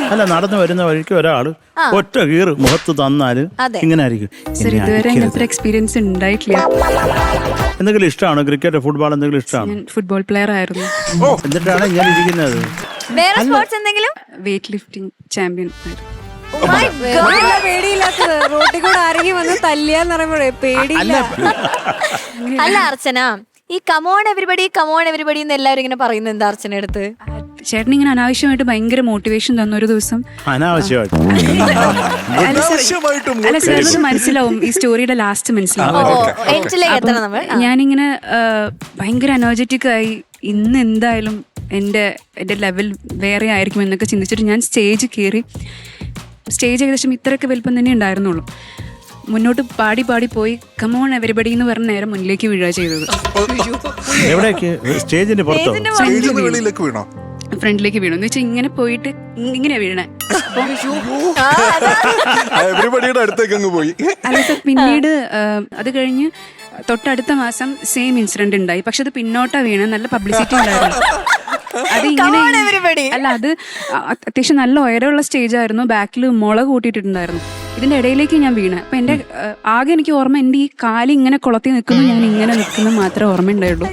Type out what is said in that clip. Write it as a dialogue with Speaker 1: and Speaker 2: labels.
Speaker 1: അല്ല നടന്നു വരുന്ന വഴിക്ക് ഒരാള് ഒറ്റ കീറ് മുഖത്ത് തന്നാല് ഇങ്ങനെ ആയിരിക്കും.
Speaker 2: സർ ഇതുവരെ അങ്ങനത്തെ എക്സ്പീരിയൻസ് ഉണ്ടായിട്ടില്ല.
Speaker 1: എന്തെങ്കിലും ഇഷ്ടമാണോ? ക്രിക്കറ്റ്, ഫുട്ബോൾ എന്തെങ്കിലും ഇഷ്ടമാണോ?
Speaker 2: ഞാൻ ഫുട്ബോൾ പ്ലെയർ ആയിരുന്നു.
Speaker 1: എന്നിട്ടാണ് ഇങ്ങനെ ഇരിക്കുന്നത്.
Speaker 3: വേറെ സ്പോർട്സ് എന്തെങ്കിലും?
Speaker 2: വെയിറ്റ് ലിഫ്റ്റിംഗ് ചാമ്പ്യൻ ആയിരുന്നു.
Speaker 4: പേടിയില്ലാത്തത് റോട്ടിൽ കൂടെ ആരെങ്കിലും വന്ന് തല്ലിയാന്ന് പറയുമ്പോഴേ പേടിയില്ല.
Speaker 3: അല്ല അർച്ചന, ഈ കമോൺ എവരിബഡി എന്ന് എല്ലാവരും ഇങ്ങനെ പറയുന്നത് എന്താ അർച്ചന അടുത്ത്?
Speaker 2: ചേട്ടൻ ഇങ്ങനെ അനാവശ്യമായിട്ട് ഭയങ്കര മോട്ടിവേഷൻ തന്ന ഒരു ദിവസം.
Speaker 1: അനാവശ്യമായിട്ട്
Speaker 2: അല്ല സാർ, അത് മനസ്സിലാവും, ഈ സ്റ്റോറിയുടെ ലാസ്റ്റ് മനസ്സിലാവും. ഞാനിങ്ങനെ ഭയങ്കര എനർജറ്റിക് ആയി, ഇന്ന് എന്തായാലും എൻ്റെ ലെവൽ വേറെ ആയിരിക്കും എന്നൊക്കെ ചിന്തിച്ചിട്ട് ഞാൻ സ്റ്റേജ് കയറി. സ്റ്റേജ് ഏകദേശം ഇത്രയൊക്കെ വലുപ്പം തന്നെ ഉണ്ടായിരുന്നുള്ളൂ. മുന്നോട്ട് പാടി പോയി കമോൺ എവരിബഡി എന്ന് പറഞ്ഞ നേരം മുന്നിലേക്ക് വീഴുക ചെയ്തത്.
Speaker 1: സ്റ്റേജിന്റെ
Speaker 2: ഫ്രണ്ടിലേക്ക് വീണു എന്ന് വെച്ചാൽ ഇങ്ങനെ പോയിട്ട് ഇങ്ങനെയാ വീണേ. അല്ല സാർ, പിന്നീട് അത് കഴിഞ്ഞ് തൊട്ടടുത്ത മാസം സെയിം ഇൻസിഡന്റ് ഉണ്ടായി. പക്ഷെ അത് പിന്നോട്ടാ വീണ, നല്ല പബ്ലിസിറ്റി ഉണ്ടായിരുന്നു. അത് ഇങ്ങനെ അല്ല, അത് അത്യാവശ്യം നല്ല ഉയരമുള്ള സ്റ്റേജ് ആയിരുന്നു. ബാക്കിൽ മുള കൂട്ടിയിട്ടുണ്ടായിരുന്നു. ഇതിന്റെ ഇടയിലേക്ക് ഞാൻ വീണ. അപ്പൊ എന്റെ ആകെ എനിക്ക് ഓർമ്മ, എന്റെ ഈ കാല് ഇങ്ങനെ കുളത്തി നിൽക്കുന്നു, ഞാൻ ഇങ്ങനെ നിൽക്കുന്നു മാത്രമേ ഓർമ്മ ഉണ്ടായുള്ളൂ.